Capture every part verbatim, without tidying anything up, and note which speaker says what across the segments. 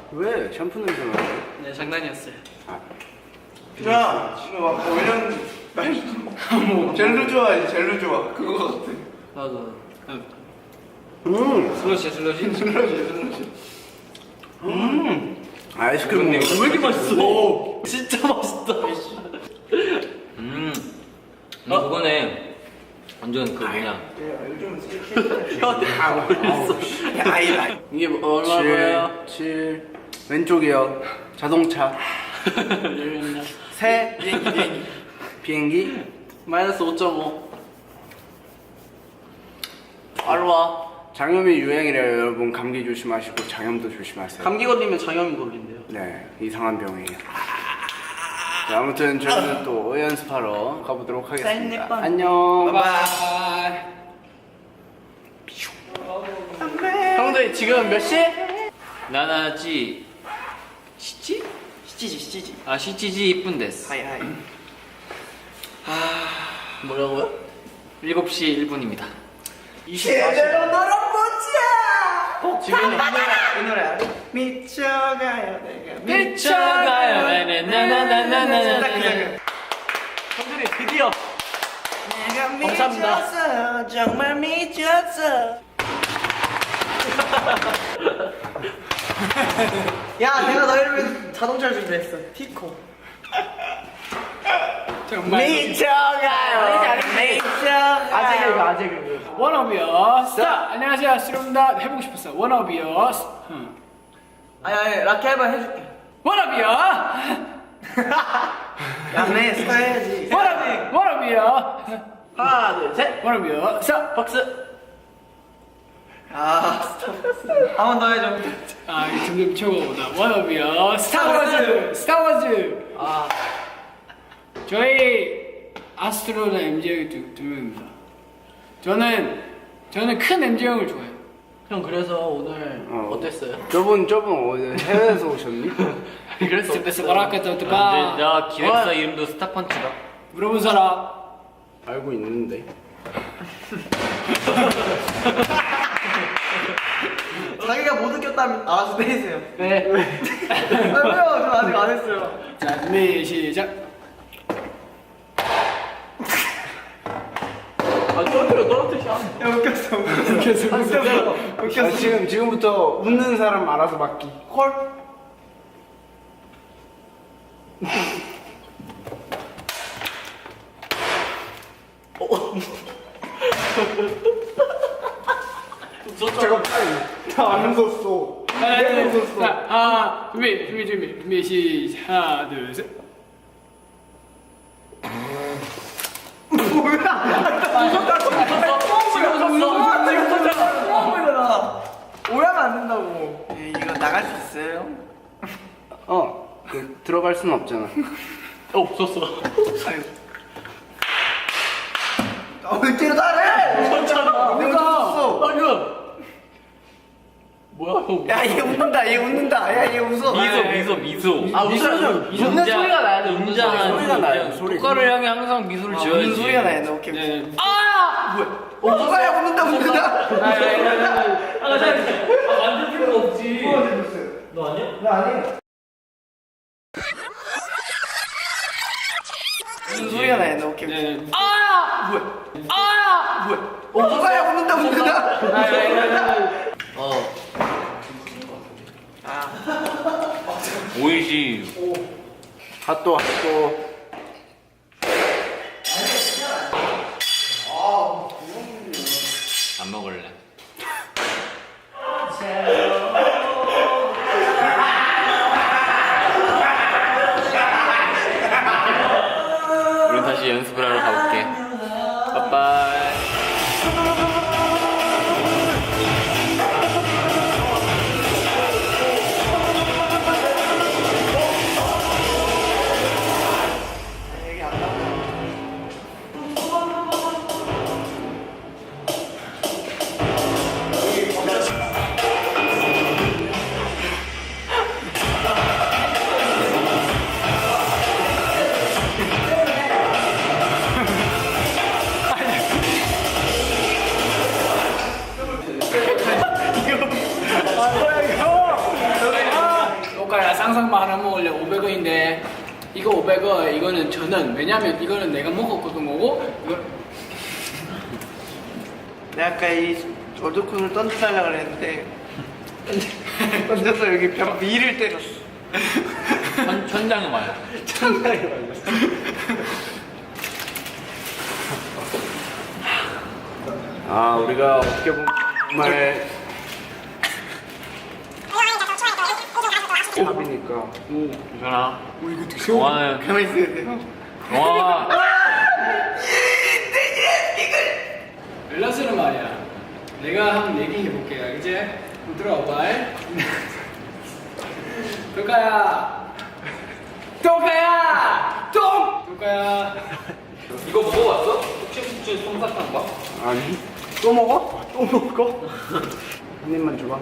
Speaker 1: 왜? 샴푸 냄새 나.
Speaker 2: 네, 장난이었어요.
Speaker 1: 아.
Speaker 3: 야, 이거 막 올렸는데 뭐 젤로 좋아해, 젤로 좋아. 그거 같아.
Speaker 2: 나도.
Speaker 1: 음.
Speaker 2: 슬러시, 슬러시.
Speaker 3: 슬러시, 슬러시.
Speaker 1: 음. 아이스크림
Speaker 2: 왜
Speaker 1: 먹어.
Speaker 2: 이렇게 맛있어? 오, 진짜 맛있다. 음. 어, 그거네. 완전 그 뭐냐.
Speaker 3: 야, 요즘
Speaker 2: 야, 모르겠어.
Speaker 3: 아이,
Speaker 1: 이게 뭐 얼마고요? 칠. 왼쪽이요. 자동차. 새.
Speaker 3: 비행기, 비행기.
Speaker 1: 비행기.
Speaker 2: 마이너스 오 점 오. 바로 와.
Speaker 1: 장염이 유행이래요, 여러분. 감기 조심하시고 장염도 조심하세요.
Speaker 2: 감기 걸리면 장염이 걸린대요.
Speaker 1: 네, 이상한 병이에요. 자, 아무튼 저희는 또 연습하러 가보도록 하겠습니다.
Speaker 3: 쌀내빵.
Speaker 1: 안녕.
Speaker 2: 바이바이.
Speaker 1: 형들 지금 몇 시?
Speaker 2: 나나지. 시지?
Speaker 3: 시치지, 시치지.
Speaker 2: 아, 시지지 이쁜 데스.
Speaker 3: 하이, 하이.
Speaker 2: 뭐라고요? 일곱 시 일 분입니다.
Speaker 3: 제대로 놀아보자!
Speaker 2: 어, 지금
Speaker 3: 이 노래, 이 노래 알아? 미쳐가요, 내가.
Speaker 2: 미쳐가요. 나나나나나나나.
Speaker 3: 형들이 드디어 내가
Speaker 2: 감사합니다.
Speaker 3: 미쳤어, 정말 미쳤어. 야, 내가 너희를 위해 자동차를 준비했어. 티코.
Speaker 2: 정말.
Speaker 3: 미쳐가요. 미쳐가요.
Speaker 2: 아재 개그, 아재 개그.
Speaker 4: 워너비어스. 자, 안녕하세요. 스lum다 해보고 싶었어. 워너비어스. 응.
Speaker 3: 아니, 아니, 라키 한번 해줄게.
Speaker 4: 워너비어.
Speaker 3: 야, 내 스타일 해야지.
Speaker 4: 워너비. 워너비어.
Speaker 3: 하나, 둘, 셋.
Speaker 4: 워너비어. 자,
Speaker 3: 박수. 아, 스타벅스. 한 번 더 해줘.
Speaker 4: 아, 이거 점점 초보다. 워너비어. 스타워즈. 스타워즈.
Speaker 3: 아,
Speaker 4: 저희 아스트로나 엠지형이 두, 두 명입니다. 저는 저는 큰 엠지형을 좋아해요.
Speaker 2: 형, 그래서 오늘
Speaker 1: 어.
Speaker 2: 어땠어요?
Speaker 1: 저분 저분 어디 해외에서 오셨니?
Speaker 2: 그래서
Speaker 4: 스페스 마라카타
Speaker 2: 네,
Speaker 4: 오토바.
Speaker 2: 나 기획사 이름도 스타펀치다.
Speaker 4: 물어본 사람.
Speaker 1: 알고 있는데.
Speaker 3: 자기가 못 느꼈다면 알아서 때리세요.
Speaker 4: 네.
Speaker 3: 아, 왜요? 저 아직 안 했어요.
Speaker 4: 자, 준비 시작.
Speaker 2: 아, 떨어뜨려, 떨어뜨려.
Speaker 3: 야, 웃겼어, 웃겼어.
Speaker 4: 웃겼어,
Speaker 3: 웃겼어.
Speaker 1: 아,
Speaker 3: 웃겼어.
Speaker 1: 지금 지금부터 웃는 사람 알아서 맡기.
Speaker 3: 콜.
Speaker 1: 잠깐 나안 웃었어. 내가 웃었어.
Speaker 4: 자, 아, 준비, 준비, 준비, 준비, 시작. 하나, 둘, 셋.
Speaker 3: 오해하면 안 된다고. 이거 나갈 수 있어요?
Speaker 1: 어, 그, 들어갈 수는 없잖아.
Speaker 2: 없었어.
Speaker 3: 아유. 아, 왜 때려 나를?
Speaker 2: 괜찮아.
Speaker 3: 내가 웃었어.
Speaker 2: 방금. 뭐야, 형.
Speaker 3: 야, 얘 웃는다. 얘 웃는다. 야, 얘 웃어.
Speaker 2: 미소, 미소, 미소.
Speaker 3: 아, 웃어요. 웃는 소리가 나야 돼. 웃는
Speaker 2: 웅장한
Speaker 1: 소리가 나요, 소리.
Speaker 2: 똑가를 향해 항상 미소를
Speaker 3: 아,
Speaker 2: 지어야지.
Speaker 3: 웃는 소리가 나야 돼. 오케이.
Speaker 4: 네, 네.
Speaker 3: 아! 뭐야? 어, 뭐야? 웃는다, 웃는다.
Speaker 2: 아, 나 잘. 아, 만들 필요가 없지. 너 아니야?
Speaker 3: 나 아니야. 웃는 소리가 나야 돼. 오케이.
Speaker 4: 네, 네.
Speaker 3: 아! 뭐야? 아! 뭐야? 어, 뭐야? 웃는다, 웃는다.
Speaker 2: 어. 오이시.
Speaker 1: 핫도 핫도.
Speaker 2: 안 먹을래. 우린 다시 연습을 하러 가볼게. 빠빠이.
Speaker 4: 쌍쌍바 하나 먹을래 오백 원인데 이거 오백 원 이거는 저는 왜냐면 이거는 내가 먹었거든 거고 이거
Speaker 3: 내가 아까 이 어두콘을 던져달라 그랬는데 던져서 여기 벽 위를 때렸어.
Speaker 2: 천, 천장에 맞아.
Speaker 3: 천장에 맞았어.
Speaker 1: 아 우리가 어떻게 보면 정말 합이니까
Speaker 2: 괜찮아. 영화는
Speaker 3: 가만히 있어야 돼요.
Speaker 2: 영화
Speaker 4: 밸런스는 말이야 내가 한번 얘기해볼게 알겠지? 한번 들어와봐 도카야 도카야 똥! 도카야
Speaker 2: 이거 먹어봤어? 혹시 혹시 솜사탕 봐?
Speaker 1: 아니 또 먹어? 또 먹어? 한 입만 줘봐.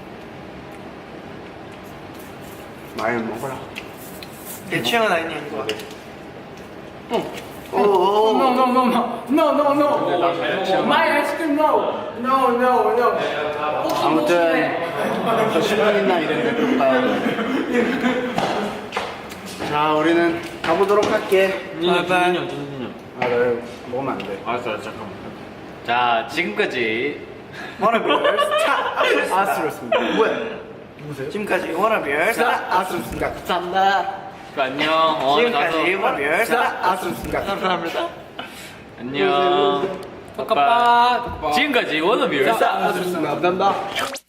Speaker 1: 많이 먹어라.
Speaker 3: 내 취향은 아니냐 이거.
Speaker 4: 응.
Speaker 3: 오, 오,
Speaker 4: No, no, no, no, no, no, no.
Speaker 2: 근데 나 잘 먹어.
Speaker 4: My ice cream, no, no, no, no.
Speaker 1: 아무튼 더 시간이나 이랬는데 그럴까요? 자 우리는 가보도록 할게.
Speaker 2: 진진이 형, 진진이 형.
Speaker 1: 아, 나 먹으면 안 돼.
Speaker 2: 알았어, 알았어, 잠깐만. 자, 지금까지
Speaker 3: 워너비얼스 차
Speaker 1: 아스럽습니다.
Speaker 3: 뭐야? 누구세요? 지금까지 워너비얼스
Speaker 1: 아스럽습니다. 감사합니다.
Speaker 2: 안녕. 어,
Speaker 3: 지금까지
Speaker 2: 가서
Speaker 3: 워너비얼스
Speaker 1: 아스럽습니다.
Speaker 3: 감사합니다.
Speaker 2: 안녕.
Speaker 4: 빠빠.
Speaker 2: 지금까지 워너비얼스.
Speaker 1: 아스럽습니다. 감사합니다.